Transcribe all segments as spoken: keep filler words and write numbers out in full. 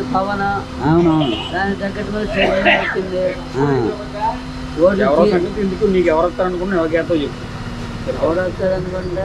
పవన్. అవునవును. దాని తగ్గట్టు మీద చైర్మన్ వచ్చింది. ఎందుకు నీకు ఎవరు వస్తారు అనుకున్నా ఎవరికేతో చెప్పు. ఎవరు వస్తారు అనుకుంటే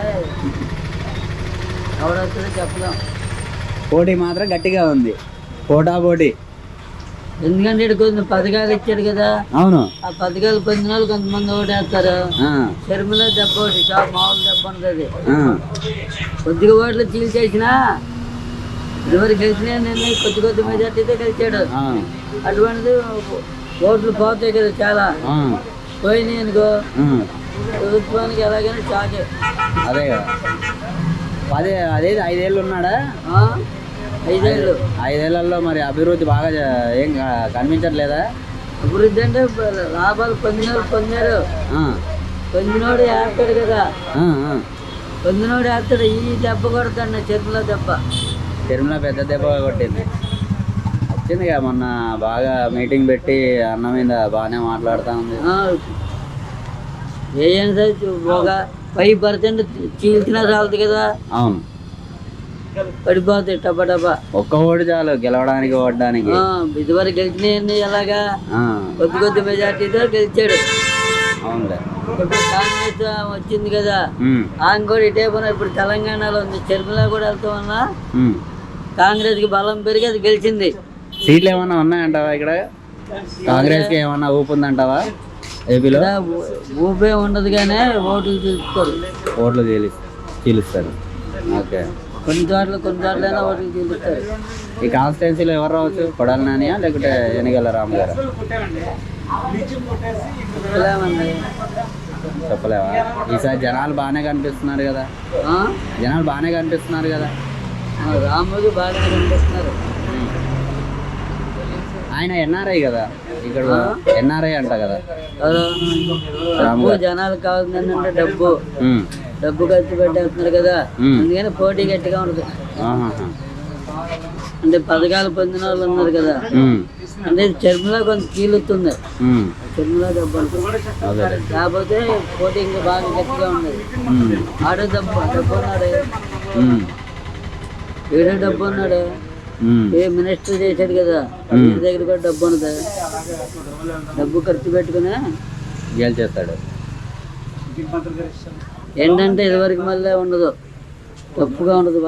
ఎవరు వస్తారో చెప్పలేం. పోటీ మాత్రం గట్టిగా ఉంది, పోటా పోటీ. ఎందుకంటే ఇక్కడ కొన్ని పథకాలు ఇచ్చాడు కదా. అవును. ఆ పథకాలు పొందిన వాళ్ళు కొంతమంది ఓటేస్తారు. షర్మిల దెబ్బ ఒకటి షాప్ మామూలు దెబ్బ ఉంటుంది. కొద్దిగా ఓట్లు చీల్చేసినా ఇదివరకు గెలిచినా నేను కొద్ది కొద్ది మెజార్టీతో గెలిచాడు. అటువంటిది ఓట్లు పోతాయి కదా చాలా, పోయినాయి అనుకో ప్రభుత్వానికి ఎలాగైనా షాకే. అదే కదా. అదే అదే ఐదేళ్ళు ఉన్నాడా? ఐదేళ్ళు. ఐదేళ్లలో మరి అభివృద్ధి బాగా ఏం కనిపించట్లేదా? అభివృద్ధి అంటే లాభాలు పొందిన వాళ్ళు పొందారు. పొందినోడు వేస్తాడు కదా, పొందినోడు వేస్తాడు. ఈ దెబ్బ కొడతాడు చెరువుల దెబ్బ. చెరువుల పెద్ద దెబ్బ కొట్టింది. వచ్చింది కదా మొన్న బాగా మీటింగ్ పెట్టి అన్న మీద బాగానే మాట్లాడుతూ ఉంది. ఏం సరే ఒక ఫైవ్ పర్సెంట్ చీల్చినా చాలదు కదా. అవును, పడిపోతాయి టపా టపా. ఒక్క ఓటు చాలు గెలవడానికి ఓడడానికి. ఇదివరకు గెలిచినాయన్ని ఎలాగా కొద్ది కొద్ది మెజార్టీతో గెలిచాడు. అవునులే. ఇప్పుడు కాంగ్రెస్ వచ్చింది కదా, ఆమె కూడా ఇటే పోయినా ఇప్పుడు తెలంగాణలో ఉంది. షర్మిల కూడా వెళ్తాం వల్ల కాంగ్రెస్ కి బలం పెరిగి అది గెలిచింది. సీట్లు ఏమన్నా ఉన్నాయంటావా ఇక్కడ? కాంగ్రెస్ కి ఏమన్నా ఊపు ఉందంటావా ఏపీలో? ఊపే ఉండదు కానీ ఓట్లు చీలుస్తారు. ఓట్లు చీలి చీలుస్తారు ఓకే. కొన్ని చోట్ల కొన్ని చోట్లైనా ఓట్లు చీలుస్తారు. ఈ కాన్స్టిట్యున్సీలో ఎవరు రావచ్చు? కొడాలి నానియా లేకుంటే ఎన్నికల రాము గారా? చెప్పలేమండి. చెప్పలేవా? ఈసారి జనాలు బాగానే కనిపిస్తున్నారు కదా, జనాలు బాగానే కనిపిస్తున్నారు కదా. రాముడు బాగానే కనిపిస్తున్నారు. ఆయన ఎన్ఆర్ఐ కదా, ఇక్కడ ఎన్ఆర్ఐ అంట కదా. డబ్బు జనాలకు కావాల్సింది ఏంటంటే డబ్బు. డబ్బు ఖర్చు పెట్టేస్తున్నారు కదా, అందుకని పోటీ గట్టిగా ఉంటుంది. అంటే పథకాలు పొందిన వాళ్ళు ఉన్నారు కదా, అంటే చర్మలో కొంత కీలుతుంది. చర్మలో డబ్బు ఉంటుంది, కాకపోతే పోటీ ఇంకా బాగా గట్టిగా ఉండదు. ఆడో డబ్బు డబ్బు ఉన్నాడు, ఏడో డబ్బు ఉన్నాడు. ఏ మినిస్టర్ చేశాడు కదా, వీరి దగ్గర కూడా డబ్బు ఉన్నది. డబ్బు ఖర్చు పెట్టుకుని గెలిచేస్తాడు. ఏంటంటే ఇదివరకు మళ్ళీ ఉండదు, తప్పుగా ఉండదు.